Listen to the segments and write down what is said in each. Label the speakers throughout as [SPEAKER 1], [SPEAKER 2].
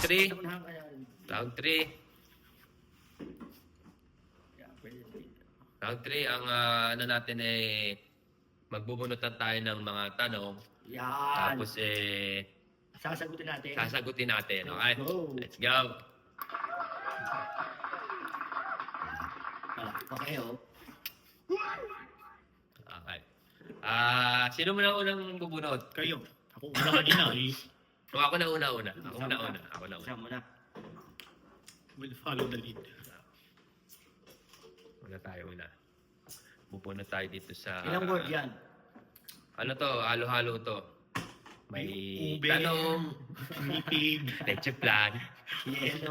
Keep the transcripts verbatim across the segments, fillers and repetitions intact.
[SPEAKER 1] three.
[SPEAKER 2] Unahan ka yan.
[SPEAKER 1] Round three.
[SPEAKER 2] Yeah, pwede, pwede.
[SPEAKER 1] Round three, ang ah, ano natin eh, magbubunutan tayo ng mga tanong.
[SPEAKER 2] Yan.
[SPEAKER 1] Tapos eh,
[SPEAKER 2] Sasagutin natin.
[SPEAKER 1] sasagutin natin. Okay?
[SPEAKER 2] Let's go.
[SPEAKER 1] Let's go.
[SPEAKER 2] Wala. Okay, oh.
[SPEAKER 1] Okay. Ah, sino mo na unang bubunot?
[SPEAKER 3] Kayo. Ako una kanina eh.
[SPEAKER 1] O ako na una-una. Ako na una. Ako na una.
[SPEAKER 2] Isa mo na.
[SPEAKER 3] Will follow the lead.
[SPEAKER 1] Una tayo una. Bubunot tayo dito sa...
[SPEAKER 2] Ilang word yan?
[SPEAKER 1] Ano to? Halo-halo to. May
[SPEAKER 3] Ube.
[SPEAKER 1] tanong,
[SPEAKER 3] Meeting.
[SPEAKER 1] leche plan.
[SPEAKER 2] Yelo.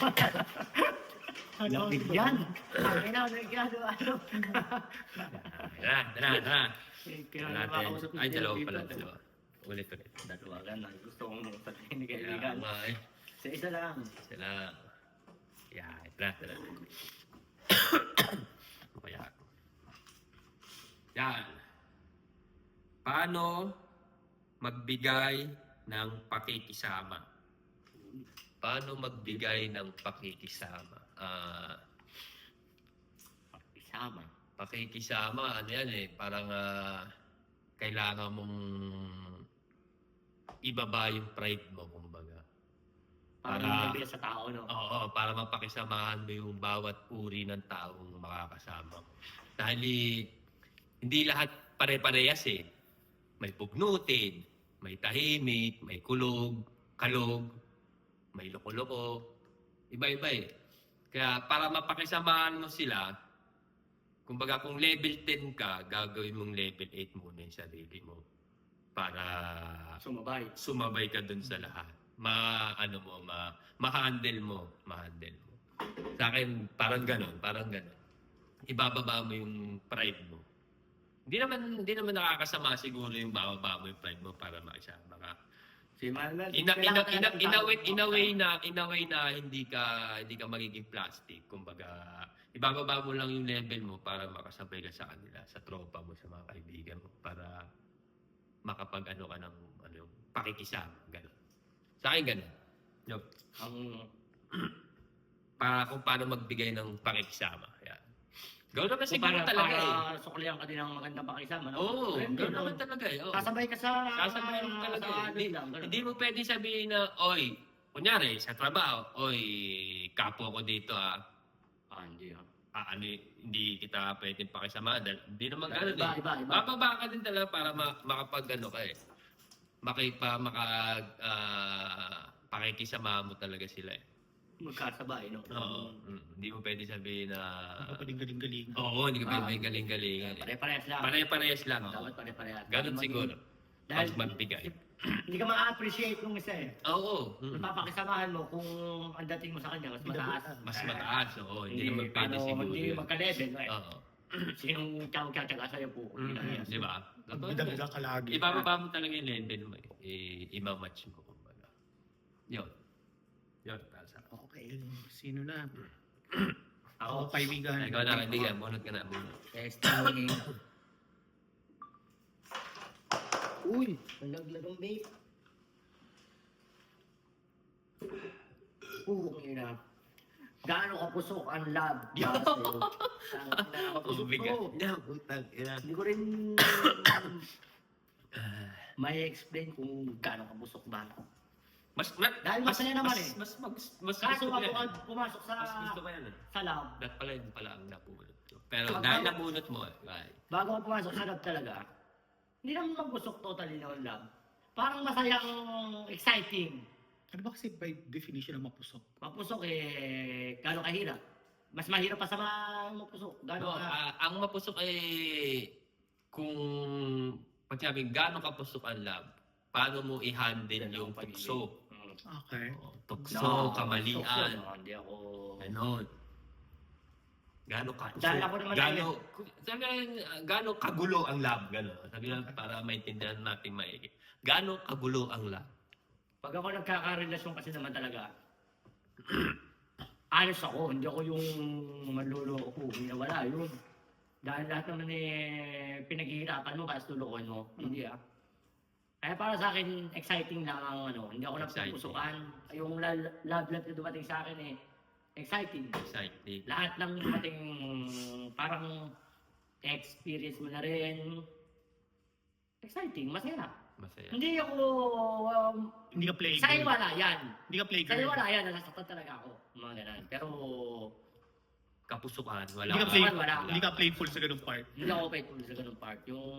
[SPEAKER 2] Lapit yan. Ay na, nagyado. Ano?
[SPEAKER 1] Tara, tara, tara.
[SPEAKER 2] Kaya
[SPEAKER 1] Natin.
[SPEAKER 2] nakakausap
[SPEAKER 1] Ay,
[SPEAKER 2] ni
[SPEAKER 1] dalawa
[SPEAKER 2] Tito.
[SPEAKER 1] pala, dalawa. Ulit, ulit.
[SPEAKER 2] Dalawa ganun. Gusto kong patayin ni
[SPEAKER 1] Kaya
[SPEAKER 2] kaibigan.
[SPEAKER 1] nga eh.
[SPEAKER 2] Sa isa lang.
[SPEAKER 1] Sila. Yan, tara, tara. Kaya. Yan. Paano magbigay ng pakikisama? Paano magbigay ng pakikisama? Ah,
[SPEAKER 2] Isama.
[SPEAKER 1] pakikisama, ano yan eh, parang ah, kailangan mong ibaba yung pride mo, kumbaga.
[SPEAKER 2] Para
[SPEAKER 1] Para-
[SPEAKER 2] magbigay sa tao, no?
[SPEAKER 1] Oo, para mapakisamahan mo yung bawat uri ng taong makakasama mo. Dahil eh, hindi lahat pare-parehas eh. May pugnutin, may tahimik, may kulog, kalog, may loko-loko. Iba-iba eh. Kaya para mapakisamahan mo sila, kumbaga kung level ten ka, gagawin mong level eight muna yung sarili mo. Para
[SPEAKER 2] Sumabay.
[SPEAKER 1] sumabay ka dun sa lahat. Ma, ano mo, ma, ma-handle mo, ma-handle mo. Sa akin, parang ganon, parang ganon. Ibababa mo yung pride mo. Hindi naman, hindi naman nakakasama siguro yung bababa mo yung pride mo para makisama ka.
[SPEAKER 2] Si Manuel.
[SPEAKER 1] In a, in a, in a, in a, way, in a way
[SPEAKER 2] na.
[SPEAKER 1] na, in a way na hindi ka, hindi ka magiging plastic. Kumbaga, ibababa mo lang yung level mo para makasabay ka sa kanila, sa tropa mo, sa mga kaibigan mo, para makapag-ano ka ng, ano, pakikisama, gano'n. Sa akin, gano'n. Yup.
[SPEAKER 2] Ang
[SPEAKER 1] Para kung paano magbigay ng pakikisama. Yan. Gawin naman
[SPEAKER 2] kung
[SPEAKER 1] siguro
[SPEAKER 2] para,
[SPEAKER 1] talaga eh.
[SPEAKER 2] para suklihan ka din ng magandang pakisama, no?
[SPEAKER 1] Oo,
[SPEAKER 2] Ayun,
[SPEAKER 1] gawin
[SPEAKER 2] no?
[SPEAKER 1] naman talaga eh. Oo.
[SPEAKER 2] Sasabay ka sa...
[SPEAKER 1] Sasabay mo talaga
[SPEAKER 2] sa
[SPEAKER 1] eh.
[SPEAKER 2] ano
[SPEAKER 1] Hindi,
[SPEAKER 2] lang, ganun.
[SPEAKER 1] hindi mo pwede sabihin na, oy, kunyari, sa trabaho, oy, kapo ko dito ah.
[SPEAKER 2] Ah, hindi ah.
[SPEAKER 1] Ah, ano, hindi kita pwedeng pakisama. Dahil hindi naman
[SPEAKER 2] Iba,
[SPEAKER 1] gano'n eh.
[SPEAKER 2] iba, iba.
[SPEAKER 1] Mababa ka din talaga para ma- makapag ano ka eh. Makipa, maka, ah, pakikisama mo talaga sila eh.
[SPEAKER 2] Magkasabay, no?
[SPEAKER 1] Oo. Mm, hindi mo pwede sabihin na...
[SPEAKER 3] Nakapagaling-galing.
[SPEAKER 1] Oo, hindi ka
[SPEAKER 2] Ah.
[SPEAKER 1] pwede galing-galingan eh.
[SPEAKER 2] Pare-parehas lang.
[SPEAKER 1] Pare-parehas lang. oo.
[SPEAKER 2] Dapat pare-parehas.
[SPEAKER 1] Ganun
[SPEAKER 2] Hindi
[SPEAKER 1] siguro.
[SPEAKER 2] maging- Dahil
[SPEAKER 1] Pag magbigay.
[SPEAKER 2] hindi ka ma-appreciate nung isa eh.
[SPEAKER 1] Oo. mm.
[SPEAKER 2] Papakisamahan mo kung ang dating mo sa kanya mas mataas.
[SPEAKER 1] Mas mataas. Oo, hindi naman pwede
[SPEAKER 2] paano-
[SPEAKER 1] siguro
[SPEAKER 2] Hindi
[SPEAKER 1] yun.
[SPEAKER 2] magka-level. Eh.
[SPEAKER 1] Oo.
[SPEAKER 2] Sinong tiyang-tiyang sa'yo po.
[SPEAKER 1] Mm, Di ba?
[SPEAKER 3] Bida-bida ka lagi.
[SPEAKER 1] Ibababa mo talaga yung level mo eh. I- Ima-match mo. Kumbaga. Yun. Yun. para sa akin.
[SPEAKER 3] Okay. Sino na?
[SPEAKER 2] Ako,
[SPEAKER 3] Ako kaibigan.
[SPEAKER 1] Ikaw na kaibigan. Bunot ka na. Bunot.
[SPEAKER 2] testing. Uy, nalaglag ang vape. Oo, ina. Gaano kapusok ang lab?
[SPEAKER 1] Ang bigat. Yeah, putang ina.
[SPEAKER 2] Hindi ko rin may explain kung gaano kapusok ba.
[SPEAKER 1] Mas, mas,
[SPEAKER 2] Dahil
[SPEAKER 1] mas,
[SPEAKER 2] masaya naman
[SPEAKER 1] mas,
[SPEAKER 2] eh.
[SPEAKER 1] Mas, mas, mas,
[SPEAKER 2] Kaso
[SPEAKER 1] gusto ko
[SPEAKER 2] ako
[SPEAKER 1] yan.
[SPEAKER 2] pag pumasok sa
[SPEAKER 1] Mas gusto ko yan eh.
[SPEAKER 2] sa lab,
[SPEAKER 1] Dapat pala yun pala ang napulot ko. Pero
[SPEAKER 2] Pag-
[SPEAKER 1] dahil nabunot mo, ay,
[SPEAKER 2] bago ako pumasok sa lab talaga, hindi naman mabusok totally ng lab. Parang masayang exciting.
[SPEAKER 3] Ano ba kasi by definition ng mapusok?
[SPEAKER 2] Mapusok eh, gano'ng kahirap. Mas mahirap pa sa mga mapusok. Gano'ng
[SPEAKER 1] no,
[SPEAKER 2] ka.
[SPEAKER 1] ah, ang mapusok ay kung pag sabi gano'ng kapusok ang lab, paano mo i-handle yung tukso?
[SPEAKER 2] Mm.
[SPEAKER 3] Okay.
[SPEAKER 1] Oh, tukso,
[SPEAKER 2] No,
[SPEAKER 1] kamalian,
[SPEAKER 2] tukso, no, Hindi ako...
[SPEAKER 1] ganon. Gano'ng kapusok?
[SPEAKER 2] Dahil ako naman
[SPEAKER 1] Gano'ng, sabi lang, gano'ng kagulo ang lab? Gano'n. Sabi lang para maintindihan natin maigi. Gano'ng kagulo ang lab?
[SPEAKER 2] Pag ako nagkakarelasyon kasi naman talaga, honest ako, hindi ako yung manluloko, wala yun. Dahil lahat naman eh, pinaghihirapan mo, kasi lulukohin mo. Hindi ah. Kaya para sa akin, exciting lang ang ano, hindi ako
[SPEAKER 1] Exciting.
[SPEAKER 2] napupusukan. Yung la- love life na dumating sa akin eh, exciting.
[SPEAKER 1] Exciting.
[SPEAKER 2] Lahat ng dumating, parang experience mo na rin. Exciting, masaya.
[SPEAKER 1] Masaya.
[SPEAKER 2] Hindi ako, um,
[SPEAKER 3] Hindi ka play
[SPEAKER 2] sa
[SPEAKER 3] girl.
[SPEAKER 2] wala yan.
[SPEAKER 3] Hindi ka play
[SPEAKER 2] Sa
[SPEAKER 3] girl.
[SPEAKER 2] wala yan, nasasaktan talaga ako. Mga ganun. Pero,
[SPEAKER 1] Kapusukan, wala.
[SPEAKER 3] Hindi ka
[SPEAKER 1] ka.
[SPEAKER 3] play,
[SPEAKER 2] wala.
[SPEAKER 3] hindi ka playful sa ganung part.
[SPEAKER 2] hindi ako faithful sa ganung part. Yung,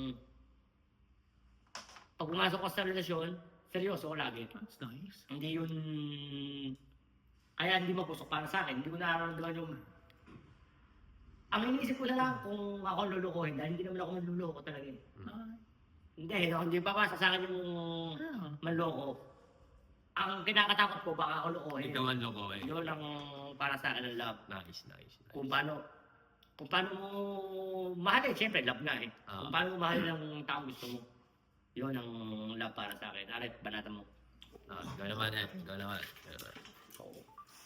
[SPEAKER 2] pag pumasok ko sa relasyon, seryoso ko lagi.
[SPEAKER 3] That's nice.
[SPEAKER 2] Hindi yun, kaya hindi mapusok para sa akin. Hindi ko nararamdaman yung, ang iniisip ko na lang kung ako ang lulukohin, dahil hindi naman ako manluloko talaga. eh.
[SPEAKER 3] Ah,
[SPEAKER 2] Hindi, no, hindi pa sa akin yung
[SPEAKER 3] yeah.
[SPEAKER 2] manloko. Ang kinakatakot ko, baka ako lukohin.
[SPEAKER 1] Ikaw ang loko eh.
[SPEAKER 2] Yun lang para sa akin ang love.
[SPEAKER 1] Nice, nice, nice.
[SPEAKER 2] Kung paano, kung paano mo mahalin, siyempre love nga eh.
[SPEAKER 1] Ah.
[SPEAKER 2] Kung paano mo mahalin ang taong gusto mo. Yun ang love para sa akin. Arit, banata mo.
[SPEAKER 1] Ah, ikaw naman eh. Ikaw naman. Ikaw naman.
[SPEAKER 2] Oo.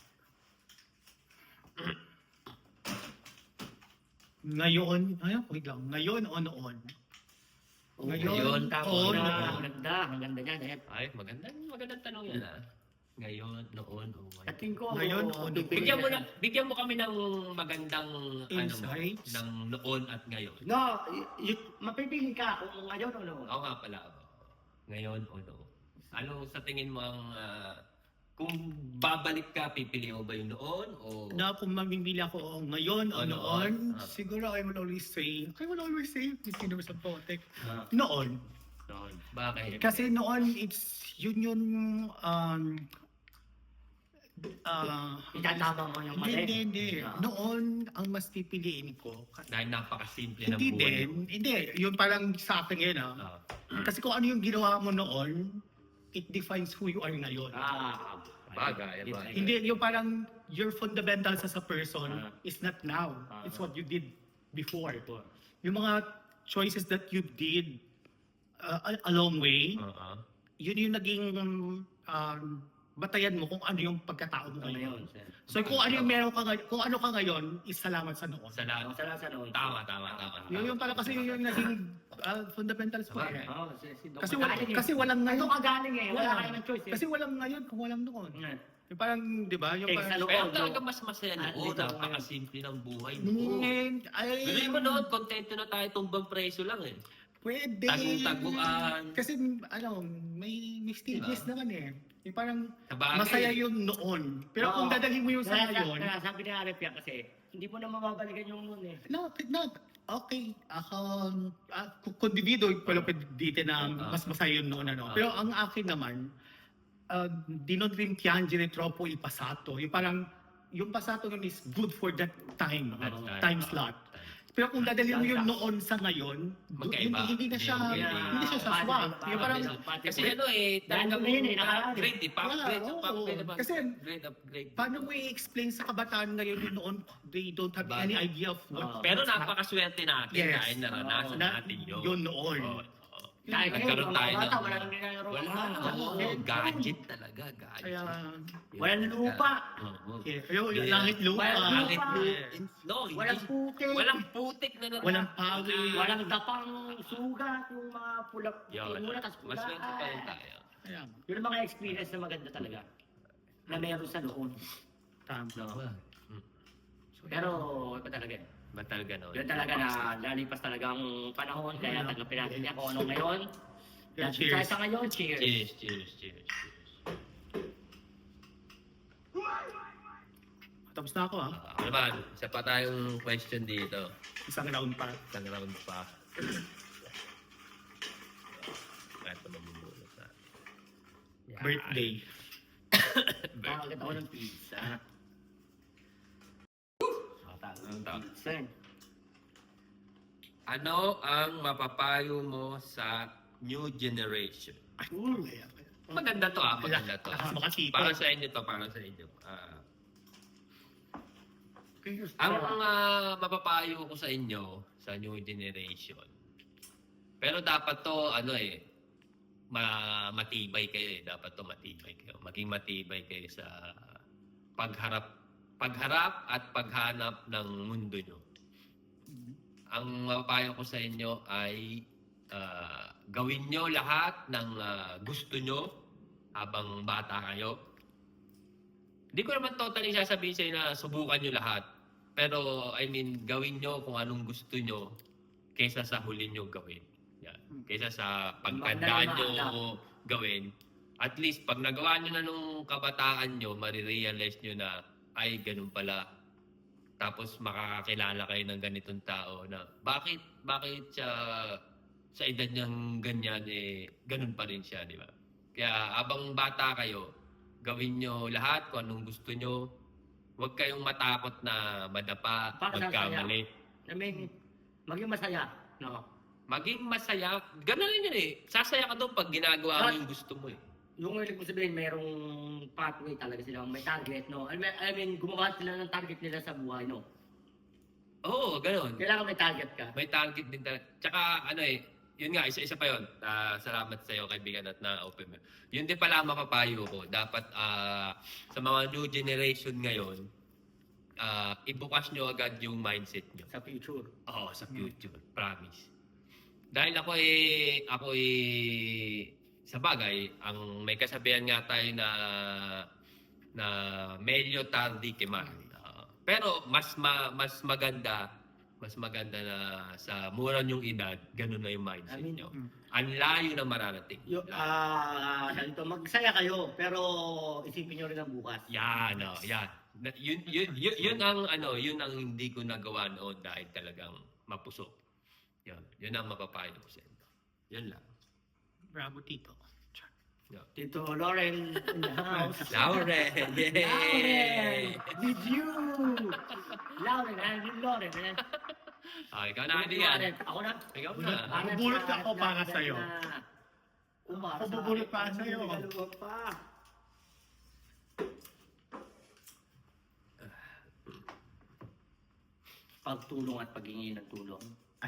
[SPEAKER 3] Ngayon, ay, wait lang. Ngayon o noon?
[SPEAKER 1] Ngayon,
[SPEAKER 3] Ngayon,
[SPEAKER 2] Tapos
[SPEAKER 3] oo,
[SPEAKER 2] na,
[SPEAKER 3] noon.
[SPEAKER 2] ang ganda, ang ganda niyan eh.
[SPEAKER 1] Ay, magandang, magandang tanong yan ah. Ngayon, noon, o
[SPEAKER 2] Sa
[SPEAKER 1] ngayon.
[SPEAKER 2] tingin ko,
[SPEAKER 3] Ngayon, oo,
[SPEAKER 2] bibigyan
[SPEAKER 1] Bigyan mo
[SPEAKER 2] na-
[SPEAKER 1] na, bigyan mo kami ng magandang ano mo,
[SPEAKER 3] Insights?
[SPEAKER 1] ng noon at ngayon.
[SPEAKER 2] No, y- y- mapipili ka kung ngayon o noon.
[SPEAKER 1] Oo nga pala. Ngayon o noon. Ano sa tingin mo ang ah, kung babalik ka, pipili mo ba yung noon o
[SPEAKER 3] Na kung mamimili ako o ngayon o
[SPEAKER 1] O
[SPEAKER 3] noon,
[SPEAKER 1] noon. Ah.
[SPEAKER 3] siguro I will always say, I will always say, fifteen years of Potek,
[SPEAKER 1] Ah,
[SPEAKER 3] noon.
[SPEAKER 1] noon? Bakit?
[SPEAKER 3] Kasi noon, it's, yun yung, um, ah,
[SPEAKER 2] Itatama mo yung
[SPEAKER 3] hindi,
[SPEAKER 2] mali.
[SPEAKER 3] hindi, hindi.
[SPEAKER 2] Ah.
[SPEAKER 3] Noon, ang mas pipiliin ko.
[SPEAKER 1] Dahil napakasimple ng
[SPEAKER 3] Hindi
[SPEAKER 1] buhay
[SPEAKER 3] din,
[SPEAKER 1] mo.
[SPEAKER 3] hindi. Yun parang sa akin yun, ah.
[SPEAKER 1] Ah,
[SPEAKER 3] Kasi kung ano yung ginawa mo noon, it defines who you are ngayon.
[SPEAKER 2] Ah,
[SPEAKER 1] Bagay, bagay.
[SPEAKER 3] Hindi, yung parang your fundamentals as a person
[SPEAKER 2] Ah.
[SPEAKER 3] is not now.
[SPEAKER 2] Ah.
[SPEAKER 3] It's what you did before. Yung mga choices that you did uh, a- along way,
[SPEAKER 1] Oo.
[SPEAKER 3] yun yung naging um, batayan mo kung ano yung pagkatao mo
[SPEAKER 2] Ano
[SPEAKER 3] ngayon.
[SPEAKER 2] yun, sir?
[SPEAKER 3] So kung ano yung meron ka ngayon, kung ano ka ngayon, is salamat sa noon.
[SPEAKER 1] Salamat.
[SPEAKER 2] Sa sa noon.
[SPEAKER 1] Tama, tama, tama.
[SPEAKER 3] Yun yung parang kasi yun yung naging uh, fundamentals mo.
[SPEAKER 1] Tama.
[SPEAKER 3] eh.
[SPEAKER 2] Oo, si, si Doc
[SPEAKER 3] Kasi, wala,
[SPEAKER 2] Magaling eh.
[SPEAKER 3] kasi walang
[SPEAKER 2] Ano
[SPEAKER 3] ngayon.
[SPEAKER 2] ka galing eh, wala
[SPEAKER 3] Yeah.
[SPEAKER 2] kayo ng choice eh.
[SPEAKER 3] Kasi walang ngayon kung walang noon.
[SPEAKER 2] Mm.
[SPEAKER 3] Yung parang, di ba? Yung
[SPEAKER 2] Eh,
[SPEAKER 3] parang,
[SPEAKER 2] sa loob.
[SPEAKER 1] Pero
[SPEAKER 2] Oo,
[SPEAKER 1] talaga
[SPEAKER 2] no.
[SPEAKER 1] mas masaya
[SPEAKER 2] Ah,
[SPEAKER 1] noon.
[SPEAKER 2] dito,
[SPEAKER 1] Napakasimple ng buhay noon.
[SPEAKER 3] Mm, ay,
[SPEAKER 1] Bili mo noon, kontento na tayo tumbang preso lang eh.
[SPEAKER 3] pwede.
[SPEAKER 1] Tagu-taguan.
[SPEAKER 3] Kasi, ano, may, may stages
[SPEAKER 1] Diba?
[SPEAKER 3] naman eh. Yung parang,
[SPEAKER 1] Sa bagay.
[SPEAKER 3] masaya yung noon. Pero
[SPEAKER 2] Oo.
[SPEAKER 3] kung dadalhin mo yung sa
[SPEAKER 2] Kaya-
[SPEAKER 3] ngayon,
[SPEAKER 2] kaya sabi ni Arif yan kasi, hindi mo na mababalikan yung noon eh.
[SPEAKER 3] no, no, okay. Ako, uh, kung individuo, pala pwede dito na
[SPEAKER 1] Ah.
[SPEAKER 3] mas masaya yung noon. Ano.
[SPEAKER 1] Ah.
[SPEAKER 3] Pero ang akin naman, uh, di non rimpiangere troppo il passato. Yung parang, yung passato yun is good for that time.
[SPEAKER 1] That
[SPEAKER 3] uh,
[SPEAKER 1] time.
[SPEAKER 3] time slot. Pero kung dadalhin mo yung noon sa ngayon,
[SPEAKER 1] Magkaiba.
[SPEAKER 3] hindi, hindi na siya,
[SPEAKER 1] Hindi,
[SPEAKER 3] hindi,
[SPEAKER 1] hindi.
[SPEAKER 3] na siya sa swak. Yung parang,
[SPEAKER 1] Kasi ano eh,
[SPEAKER 2] Dahil
[SPEAKER 1] talagang
[SPEAKER 2] na yun eh, nakaraan.
[SPEAKER 1] grade eh. Pa,
[SPEAKER 3] Yeah,
[SPEAKER 1] grade,
[SPEAKER 3] oo.
[SPEAKER 1] pa, grade, pa,
[SPEAKER 3] Kasi,
[SPEAKER 1] grade upgrade.
[SPEAKER 3] paano mo i-explain sa kabataan ngayon yung noon, they don't have
[SPEAKER 1] Bagay.
[SPEAKER 3] any idea of what,
[SPEAKER 2] Oo.
[SPEAKER 1] Pero napakaswerte natin
[SPEAKER 3] Yes.
[SPEAKER 1] dahil naranasan
[SPEAKER 2] Oo.
[SPEAKER 3] na,
[SPEAKER 1] natin yun.
[SPEAKER 3] yun noon.
[SPEAKER 1] Oo, oo.
[SPEAKER 2] Dahil ngayon,
[SPEAKER 1] Nagkaroon
[SPEAKER 2] mga
[SPEAKER 1] tayo
[SPEAKER 2] bata,
[SPEAKER 1] ng-
[SPEAKER 2] wala nang nilalaro.
[SPEAKER 1] Wala,
[SPEAKER 2] Oo,
[SPEAKER 1] oo,
[SPEAKER 2] eh,
[SPEAKER 1] gadget talaga, gadget.
[SPEAKER 3] Kaya,
[SPEAKER 2] Walang lupa.
[SPEAKER 1] Oo.
[SPEAKER 3] yeah, yung
[SPEAKER 1] Yeah.
[SPEAKER 3] langit lupa,
[SPEAKER 2] Walang
[SPEAKER 1] Langit
[SPEAKER 2] lupa.
[SPEAKER 1] lupa. No, hindi.
[SPEAKER 2] Walang putik.
[SPEAKER 1] Walang putik na natin.
[SPEAKER 3] walang pawis.
[SPEAKER 2] Walang dapang sugat, yung mga pulak,
[SPEAKER 1] Yun.
[SPEAKER 2] mula, tas pula.
[SPEAKER 1] Maswerte pa rin tayo.
[SPEAKER 3] Kaya,
[SPEAKER 2] Yun ang mga experience na maganda talaga. Na meron sa noon.
[SPEAKER 3] tama.
[SPEAKER 2] No?
[SPEAKER 1] Hmm.
[SPEAKER 2] Pero, iba talaga eh.
[SPEAKER 1] Ba talaga no?
[SPEAKER 2] Yun talaga na lalipas talaga ang panahon, kaya tanggapin natin niya kung ano ngayon.
[SPEAKER 3] Yeah,
[SPEAKER 2] Dahil
[SPEAKER 3] cheers.
[SPEAKER 2] tayo sa ngayon, cheers.
[SPEAKER 1] Cheers, cheers, cheers, cheers.
[SPEAKER 3] Tapos na ako ha.
[SPEAKER 1] Ah, ano naman, isa pa tayong question dito.
[SPEAKER 3] Isang round pa.
[SPEAKER 1] Isang round pa. Ito mamumula sa Yan.
[SPEAKER 3] Birthday.
[SPEAKER 2] Pakagat ako ng pizza.
[SPEAKER 1] Ang tawag.
[SPEAKER 2] Pizza.
[SPEAKER 1] Ano ang mapapayo mo sa new generation?
[SPEAKER 2] Mm.
[SPEAKER 1] Maganda to ah, maganda to.
[SPEAKER 3] Ah, makasipag.
[SPEAKER 1] Para sa inyo to, para sa inyo. Ah,
[SPEAKER 2] Cheers.
[SPEAKER 1] ang ah, mapapayo ko sa inyo sa new generation. Pero dapat to ano eh ma matibay kayo eh. Dapat to matibay kayo. Maging matibay kayo sa pagharap pagharap at paghanap ng mundo nyo. Ang mapapayo ko sa inyo ay ah, gawin nyo lahat ng ah, gusto nyo habang bata kayo. Hindi ko naman totally sasabihin sa'yo na subukan nyo lahat. Pero, I mean, gawin nyo kung anong gusto nyo kaysa sa huli nyo gawin. Yan. Kaysa sa pagkandaan nyo gawin. At least, pag nagawa nyo na nung kabataan nyo, marirealize nyo na, ay, ganun pala. Tapos, makakakilala kayo ng ganitong tao na, bakit, bakit siya, sa edad niyang ganyan, eh, ganun pa rin siya, di ba? Kaya, abang bata kayo, gawin nyo lahat kung anong gusto nyo. Huwag kayong matakot na madapa,
[SPEAKER 2] Para
[SPEAKER 1] magkamali.
[SPEAKER 2] I mean, maging masaya. No?
[SPEAKER 1] Maging masaya. Ganun rin yun eh. Sasaya ka doon pag ginagawa mo
[SPEAKER 2] At-
[SPEAKER 1] yung gusto mo eh.
[SPEAKER 2] Yung ibig ko sabihin, mayroong pathway talaga sila, may target, no? I mean, I mean gumawa sila ng target nila sa buhay, no?
[SPEAKER 1] Oo, ganun.
[SPEAKER 2] Kailangan may target ka.
[SPEAKER 1] May target din talaga. Tsaka ano eh, yun nga, isa-isa pa yun. Ah, salamat sa iyo kaibigan at na-open mo. Yun din pala ang mapapayo ko. Dapat ah, sa mga new generation ngayon, ah, ibukas nyo agad yung mindset nyo.
[SPEAKER 2] Sa future.
[SPEAKER 1] Oo, sa future. Promise. Dahil ako eh, ako eh, sa bagay, ang may kasabihan nga tayo na na meglio tardi che mai. Ah, pero mas ma, mas maganda, mas maganda na sa mura nyong edad, ganun na yung mindset
[SPEAKER 2] I mean,
[SPEAKER 1] nyo.
[SPEAKER 3] mm.
[SPEAKER 1] Ang layo na mararating.
[SPEAKER 2] Yung, ah, uh, magsaya kayo, pero isipin nyo rin ang bukas.
[SPEAKER 1] Yan, no, yan. Na- Yun, yun, yun, yun ang ano, yun ang hindi ko nagawa noon dahil talagang mapusok. Yun, yun ang mapapayo ko sa inyo. Yun lang.
[SPEAKER 3] Bravo, Tito.
[SPEAKER 1] Yun.
[SPEAKER 2] Tito Lauren in the house.
[SPEAKER 1] Lauren! Yay!
[SPEAKER 2] Lauren! With you! Lauren, and with Lauren. eh.
[SPEAKER 1] Ah, ikaw na,
[SPEAKER 2] With
[SPEAKER 1] Andy, yan.
[SPEAKER 2] Lauren. Ako na.
[SPEAKER 1] Ikaw
[SPEAKER 3] Bulot.
[SPEAKER 1] na.
[SPEAKER 2] Para
[SPEAKER 3] Bubulot
[SPEAKER 2] sa-
[SPEAKER 3] ako
[SPEAKER 2] na-
[SPEAKER 3] para
[SPEAKER 2] na-
[SPEAKER 3] sa'yo.
[SPEAKER 2] na- Umar,
[SPEAKER 3] Ako
[SPEAKER 2] sa
[SPEAKER 3] bubulot
[SPEAKER 2] akin.
[SPEAKER 3] para sa'yo.
[SPEAKER 2] Dalawa pa. Pagtulong at paghingi ng tulong.
[SPEAKER 3] Ay.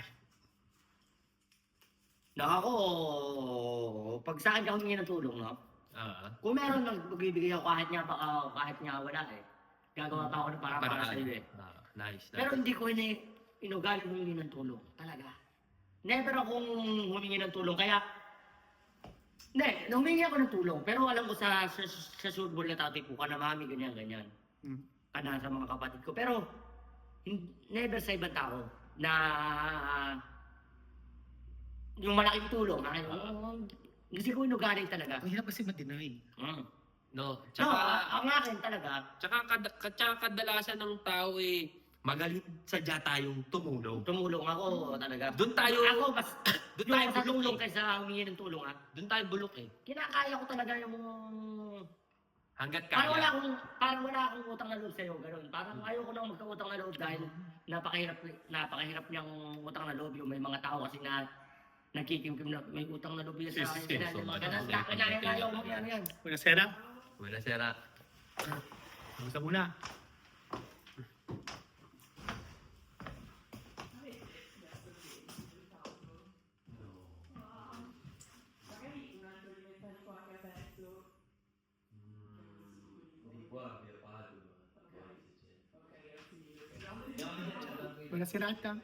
[SPEAKER 2] Na ako, pag sa akin ako hingi ng tulong, no?
[SPEAKER 1] Ah,
[SPEAKER 2] Kung meron nang magbibigay ako kahit nga baka kahit nga wala eh. Gagawa pa ako ng para para
[SPEAKER 1] paraan.
[SPEAKER 2] sa iyo eh.
[SPEAKER 1] Ah, nice, nice.
[SPEAKER 2] Pero hindi ko ini inugali humingi ng tulong. Talaga. Never akong humingi ng tulong. Kaya, hindi, humingi ako ng tulong. Pero alam ko sa, sa, sa surbol na tatay po ka na mami, ganyan, ganyan.
[SPEAKER 3] Mm.
[SPEAKER 2] Kana sa mga kapatid ko. Pero, hin- never sa ibang tao na yung malaking tulong. Ay, oh, hindi ko inugali talaga.
[SPEAKER 3] Ang hirap kasi ma-deny.
[SPEAKER 2] Mm.
[SPEAKER 1] No,
[SPEAKER 2] No,
[SPEAKER 1] tsaka,
[SPEAKER 2] a- ang akin talaga,
[SPEAKER 1] tsaka, kad- kad- tsaka kadalasan ng tao eh, magaling sadya tayong tumulong.
[SPEAKER 2] tumulong ako talaga.
[SPEAKER 1] Doon tayo,
[SPEAKER 2] Ako, mas,
[SPEAKER 1] doon
[SPEAKER 2] yung
[SPEAKER 1] tayo
[SPEAKER 2] sa
[SPEAKER 1] bulok
[SPEAKER 2] tulong
[SPEAKER 1] eh.
[SPEAKER 2] kaysa humingi ng tulong ha.
[SPEAKER 1] Doon tayo bulok eh.
[SPEAKER 2] Kinakaya ko talaga yung
[SPEAKER 1] Hanggat
[SPEAKER 2] parang wala
[SPEAKER 1] kaya.
[SPEAKER 2] akong parang wala akong utang na loob sa iyo, ganoon. Parang ayoko nang magkautang na loob dahil napakahirap napakahirap niyang utang na loob yung may mga tao kasi na nagkikimkim na may utang na loob yun sa
[SPEAKER 1] Yes,
[SPEAKER 2] akin.
[SPEAKER 1] yes,
[SPEAKER 2] Kaya
[SPEAKER 1] so
[SPEAKER 2] yung
[SPEAKER 1] much.
[SPEAKER 2] mga ganun, kaya kaya ayaw mo yan yan.
[SPEAKER 3] Una, Sera.
[SPEAKER 1] Wala sira.
[SPEAKER 3] Kamusta muna? Una, Serata.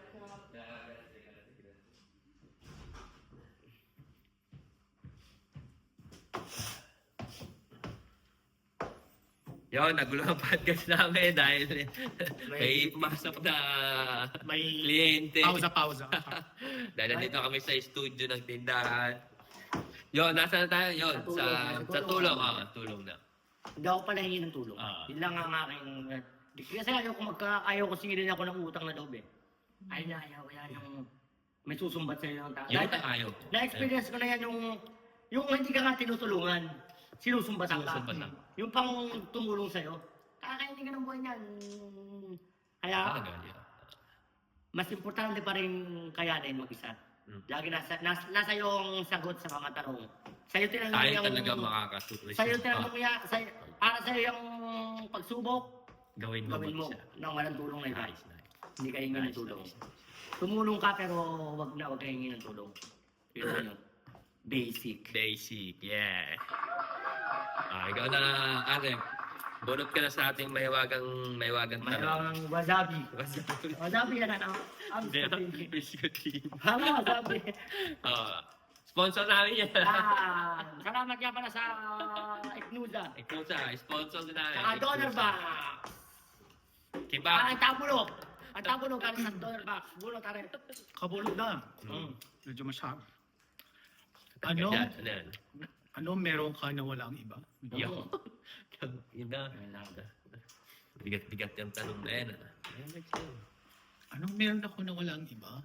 [SPEAKER 1] Yun, nagulo ang podcast namin dahil may pumasok na
[SPEAKER 3] May
[SPEAKER 1] kliyente.
[SPEAKER 3] pausa-pausa.
[SPEAKER 1] Dahil nandito kami sa studio ng tindahan. Yun, nasa na tayo? Yun,
[SPEAKER 2] Sa
[SPEAKER 1] sa,
[SPEAKER 2] tulong,
[SPEAKER 1] sa
[SPEAKER 2] sa
[SPEAKER 1] tulong.
[SPEAKER 2] tulong.
[SPEAKER 1] Ah, tulong na.
[SPEAKER 2] Hindi ako pala hingi ng tulong.
[SPEAKER 1] Ah.
[SPEAKER 2] Yun lang ang aking kasi ayaw ko magka ayaw ko singilin ako ng utang na loob eh. Ay na ayaw yan yung may susumbat sa iyo ng tao.
[SPEAKER 1] Yun
[SPEAKER 2] Dahil-
[SPEAKER 1] ang ayaw ko.
[SPEAKER 2] Na-experience ko na yan yung, yung hindi ka nga tinutulungan, sinusumbatan ka.
[SPEAKER 1] Sinusumbatan.
[SPEAKER 2] Yung pang tumulong sa'yo, kakainin ka ng buhay niyan. Kaya,
[SPEAKER 1] Ah, ganyan.
[SPEAKER 2] mas importante pa rin kayanin mag-isa.
[SPEAKER 1] Mm.
[SPEAKER 2] Lagi nasa, nas, nasa yung sagot sa mga tanong. Sa'yo tinanong
[SPEAKER 1] Tayo
[SPEAKER 2] yung...
[SPEAKER 1] talaga makakasulis.
[SPEAKER 2] Sa'yo tinanong ya, sa'yo, para sa'yo yung pagsubok,
[SPEAKER 1] Gawin mo
[SPEAKER 2] gawin mo
[SPEAKER 1] mag-isa.
[SPEAKER 2] nang walang tulong na iba.
[SPEAKER 1] Nice, nice.
[SPEAKER 2] Hindi ka hingi ng
[SPEAKER 1] Nice,
[SPEAKER 2] tulong.
[SPEAKER 1] nice.
[SPEAKER 2] Tumulong ka pero wag na wag ka hingi ng tulong. Yun na yun. Basic.
[SPEAKER 1] Basic, yeah. Ah, ikaw na, Ate. Bunot ka na sa ating mahiwagang, mahiwagang tanong.
[SPEAKER 2] Mayroong wasabi. Wasabi yan ano? Ang
[SPEAKER 1] Hindi,
[SPEAKER 2] sabi.
[SPEAKER 1] biscuitin.
[SPEAKER 2] Hama, wasabi.
[SPEAKER 1] Oo. Sponsor namin yan.
[SPEAKER 2] Ah, salamat nga pala sa Iknuza.
[SPEAKER 1] Ikaw sa, sponsor din namin.
[SPEAKER 2] Saka Donor Box.
[SPEAKER 1] Kiba.
[SPEAKER 2] Ah, ang tabulo. Ang tabulo ka sa Donor Box. Bulo ka rin.
[SPEAKER 3] Kabulog na.
[SPEAKER 1] Mm.
[SPEAKER 3] Medyo masyado. Ano?
[SPEAKER 1] Yan, ano yan?
[SPEAKER 3] Ano meron ka na walang iba?
[SPEAKER 1] Yo. Ina. Bigat-bigat yung tanong na yan. ah. Ayun, next yun.
[SPEAKER 3] Anong meron ako na walang iba?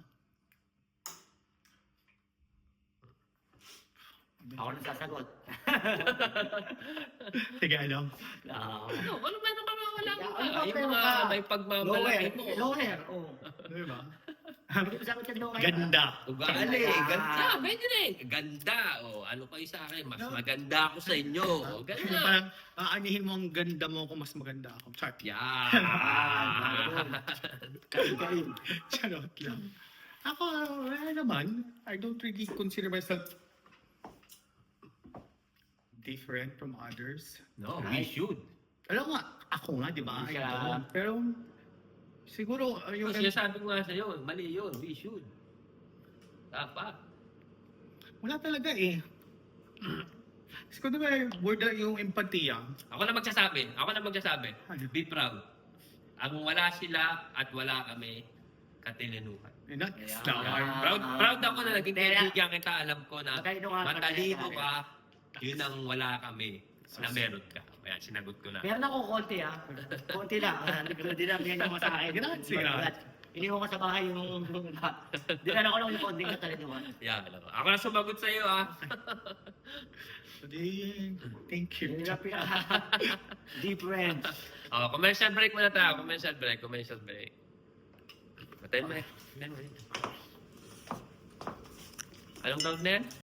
[SPEAKER 2] Ako na sasagot.
[SPEAKER 3] Sige, ano?
[SPEAKER 2] Ah.
[SPEAKER 1] Ano, ano meron ka na wala ko
[SPEAKER 2] Ano
[SPEAKER 1] ba?
[SPEAKER 2] ba
[SPEAKER 1] Yung
[SPEAKER 2] meron
[SPEAKER 1] mga
[SPEAKER 2] ka?
[SPEAKER 1] may pagmamalaki mo.
[SPEAKER 2] Loner. Oh.
[SPEAKER 3] Di ba?
[SPEAKER 2] Hindi ko sagot yung loner.
[SPEAKER 3] Ganda.
[SPEAKER 1] Ugali,
[SPEAKER 2] Ganda.
[SPEAKER 1] ganda. Pwede rin. Ganda. O, ano kayo sa akin? Mas maganda ako sa inyo. O,
[SPEAKER 3] Yung
[SPEAKER 1] ganda.
[SPEAKER 3] parang aanihin mo ang ganda mo kung mas maganda ako. Chart.
[SPEAKER 1] Yan.
[SPEAKER 2] Kain-kain.
[SPEAKER 3] Charot lang. Ako, wala naman. I don't really consider myself different from others.
[SPEAKER 1] No, we should.
[SPEAKER 3] Alam nga, ako nga, di ba? I
[SPEAKER 2] Siya.
[SPEAKER 3] don't. Pero, siguro, uh, yung...
[SPEAKER 1] Kasi sabi ko nga sa'yo, mali yun. We should. Dapat.
[SPEAKER 3] Wala talaga eh. Siguro diba, word na yung empatya.
[SPEAKER 1] Ako na magsasabi. Ako na magsasabi.
[SPEAKER 3] Ano?
[SPEAKER 1] Be proud. Ang wala sila at wala kami, katilinuhan.
[SPEAKER 3] And that's
[SPEAKER 2] Yeah.
[SPEAKER 3] the hard.
[SPEAKER 1] Proud, proud ako na naging
[SPEAKER 2] Kaya-
[SPEAKER 1] kaibigan kita. Alam ko na
[SPEAKER 2] Matalino ka,
[SPEAKER 1] matalino
[SPEAKER 2] matalino
[SPEAKER 1] ka. Yun ang wala kami na meron ka. Kaya sinagot ko na.
[SPEAKER 2] Meron ako konti ah. Konti lang. Ah, Dinamihan mo sa akin.
[SPEAKER 3] Grazie, grazie.
[SPEAKER 2] Iniwan ko sa bahay yung... Dinala ko lang yung konting katalinuhan.
[SPEAKER 1] Yan. Ako Ako na sumagot sa iyo, ah.
[SPEAKER 3] Di- Thank you.
[SPEAKER 2] Yun lang pinaka... Different.
[SPEAKER 1] Oh, commercial break muna tayo. Commercial break. Commercial break. ten minutes. ten minutes. Anong tawag na yan?